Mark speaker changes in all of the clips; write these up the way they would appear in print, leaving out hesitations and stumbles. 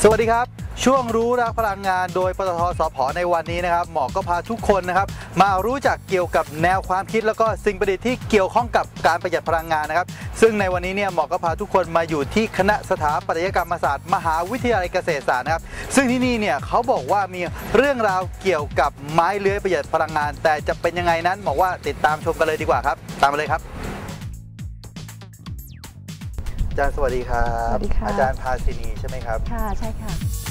Speaker 1: สวัสดีครับช่วงรู้รักพลังงานโดยปตท.สผ.ในวันนี้นะครับหมอก็พาทุกคนนะครับมารู้จักเกี่ยวกับแนวความคิดแล้วก็สิ่งประดิษฐ์ที่เกี่ยวข้องกับการประหยัดพลังงานนะครับซึ่งในวันนี้เนี่ยหมอก็พาทุกคนมาอยู่ที่คณะสถาปัตยกรรมศาสตร์มหาวิทยาลัยเกษตรศาสตร์นะครับซึ่งที่นี่เนี่ยเขาบอกว่ามีเรื่องราวเกี่ยวกับไม้เลื้อยประหยัดพลังงานแต่จะเป็นยังไงนั้นบอกว่าติดตามชมกันเลยดีกว่าครับตามมาเลยครับอาจารย์สวัสดีครับ
Speaker 2: สวัสดีค่ะ
Speaker 1: อาจารย์ภาสินีใช่ไหมครับ
Speaker 2: ค่ะใช่ค่ะ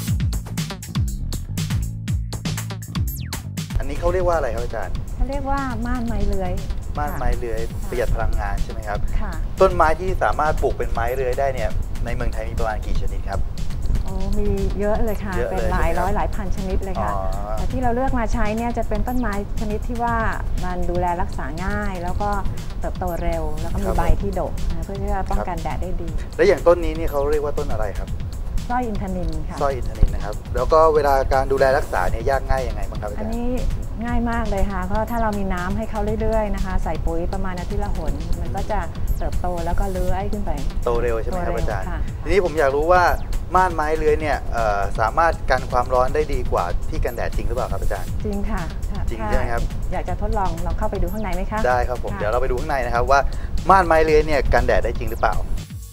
Speaker 1: อันนี้เขาเรียกว่าอะไรครับอาจารย์
Speaker 2: เขาเรียกว่าม่านไม้เลื้อย
Speaker 1: ม่านไม้เลื้อยประหยัดพลังงานใช่ไหมครับ
Speaker 2: ค่ะ
Speaker 1: ต้นไม้ที่สามารถปลูกเป็นไม้เลื้อยได้เนี่ยในเมืองไทยมีประมาณกี่ชนิดครับ
Speaker 2: โอ้มีเยอะเลยค่ะเป็นหลายร้อยหลายพันชนิดเลยค่ะแต่ที่เราเลือกมาใช้เนี่ยจะเป็นต้นไม้ชนิดที่ว่ามันดูแลรักษาง่ายแล้วก็เติบโตเร็วแล้วก็มีใบที่ดกเพื่อที่จะป้องกันแดดได้ดี
Speaker 1: และอย่างต้นนี้นี่เขาเรียกว่าต้นอะไรครับ
Speaker 2: สร้อยอินทนิลค่ะ
Speaker 1: สร้อยอินทนิลนะครับแล้วก็เวลาการดูแลรักษาเนี่ยยากง่ายยังไงบ้างครับอาจารย์
Speaker 2: อันนี้ง่ายมากเลยค่ะเพราะถ้าเรามีน้ำให้เขาเรื่อยๆนะคะใส่ปุ๋ยประมาณอาทิตย์ละหนมันก็จะเติบโตแล้วก็เลื้อยขึ้นไป
Speaker 1: โตเร็วใช่ไหมครับอาจารย์ทีนี้ผมอยากรู้ว่าม่านไม้เลื้อยเนี่ยสามารถกันความร้อนได้ดีกว่าที่กันแดดจริงหรือเปล่าครับอาจารย์
Speaker 2: จริงค่ะ
Speaker 1: จริงใช่ไหมครับ
Speaker 2: อยากจะทดลองลองเข้าไปดูข้างในไหมคะ
Speaker 1: ได้ครับผมเดี๋ยวเราไปดูข้างในนะครับว่าม่านไม้เลื้อยเนี่ยกันแดดได้จริงหรือเปล่า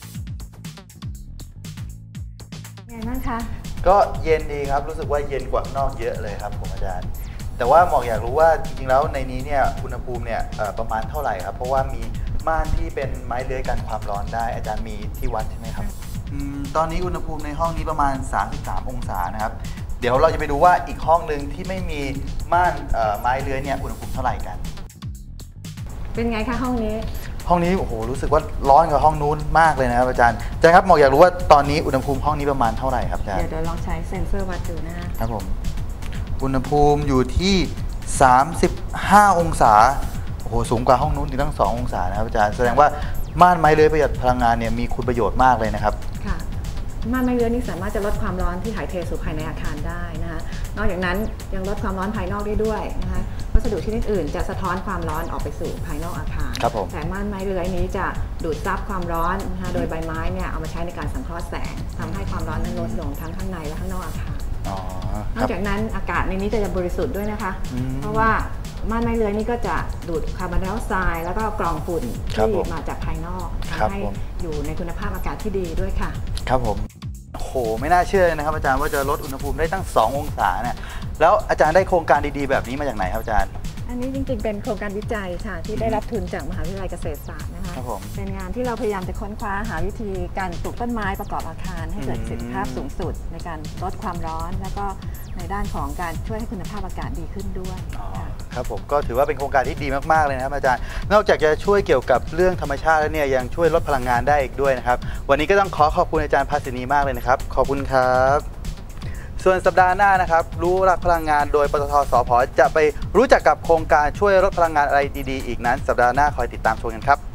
Speaker 2: ไงบ้างคะ
Speaker 1: ก็เย็นดีครับรู้สึกว่าเย็นกว่าข้างนอกเยอะเลยครับผมอาจารย์แต่ว่าหมอกอยากรู้ว่าจริงๆแล้วในนี้เนี่ยอุณหภูมิเนี่ยประมาณเท่าไหร่ครับเพราะว่ามีม่านที่เป็นไม้เลื้อยกันความร้อนได้อาจารย์มีที่วัดใช่ไหมครับตอนนี้อุณหภูมิในห้องนี้ประมาณ33องศานะครับเดี๋ยวเราจะไปดูว่าอีกห้องหนึ่งที่ไม่มีม่านไม้เลื้อยเนี่ยอุณหภูมิเท่าไหร่กัน
Speaker 2: เป็นไงคะห้องนี้
Speaker 1: โอ้โหรู้สึกว่าร้อนกว่าห้องนู้นมากเลยนะครับอาจารย์ครับหมอกอยากรู้ว่าตอนนี้อุณหภูมิห้องนี้ประมาณเท่าไหร่ครับอาจารย์
Speaker 2: เดี๋ยวลองใช้เซ็นเซอร์วัดดูนะครับ
Speaker 1: ผมอุณหภูมิอยู่ที่35องศาโอ้โหสูงกว่าห้องนู้นถึงตั้ง2องศานะครับอาจารย์แสดงว่าม่านไม้เลื้อยประหยัดพลังงานเนี่ยมีคุณประโยชน์มากเลยนะครับ
Speaker 2: ค่ะม่านไม้เลื้อยนี่สามารถจะลดความร้อนที่ถ่ายเทสู่ภายในอาคารได้นะคะนอกจากนั้นยังลดความร้อนภายนอกได้ด้วยนะคะวัสดุชนิดอื่นจะสะท้อนความร้อนออกไปสู่ภายนอกอาคารแต่ม่านไม้เลื้อยนี้จะดูดซับความร้อนนะคะโดยใบไม้เนี่ยเอามาใช้ในการสังเคราะห์แสงทำให้ความร้อนนั้นลดลงทั้งข้างในและข้างนอกอาคารนอกจากนั้นอากาศในนี้จะบริสุทธิ์ด้วยนะคะเพราะว่าม่านไม้เลื้อยนี่ก็จะดูดคาร์บอนไดออกไซด์แล้วก็กรองฝุ่นที่มาจากภายนอกทำให้อยู่ในคุณภาพอากาศที่ดีด้วยค่ะ
Speaker 1: ครับผมโหไม่น่าเชื่อเลยนะครับอาจารย์ว่าจะลดอุณหภูมิได้ตั้ง2องศาเนี่ยแล้วอาจารย์ได้โครงการดีๆแบบนี้มาจากไหนครับอาจารย์
Speaker 2: อันนี้จริงๆเป็นโครงการวิจัยค่ะที่ได้รับทุนจากมหาวิทยาลัยเกษตรศาสตร์นะคะเป็นงานที่เราพยายามจะค้นคว้าหาวิธีการปลูกต้นไม้ประกอบอาคารให้เกิดประสิทธิภาพสูงสุดในการลดความร้อนแล้วก็ในด้านของการช่วยให้คุณภาพอากาศดีขึ้นด้วย
Speaker 1: ครับผมก็ถือว่าเป็นโครงการที่ดีมากๆเลยนะครับอาจารย์นอกจากจะช่วยเกี่ยวกับเรื่องธรรมชาติแล้วเนี่ยยังช่วยลดพลังงานได้อีกด้วยนะครับวันนี้ก็ต้องขอบคุณอาจารย์ภาสินีมากเลยนะครับขอบคุณครับส่วนสัปดาห์หน้านะครับรู้รักพลังงานโดยปตท.สผ.จะไปรู้จักกับโครงการช่วยลดพลังงานอะไรดีๆอีกนั้นสัปดาห์หน้าคอยติดตามชมกันครับ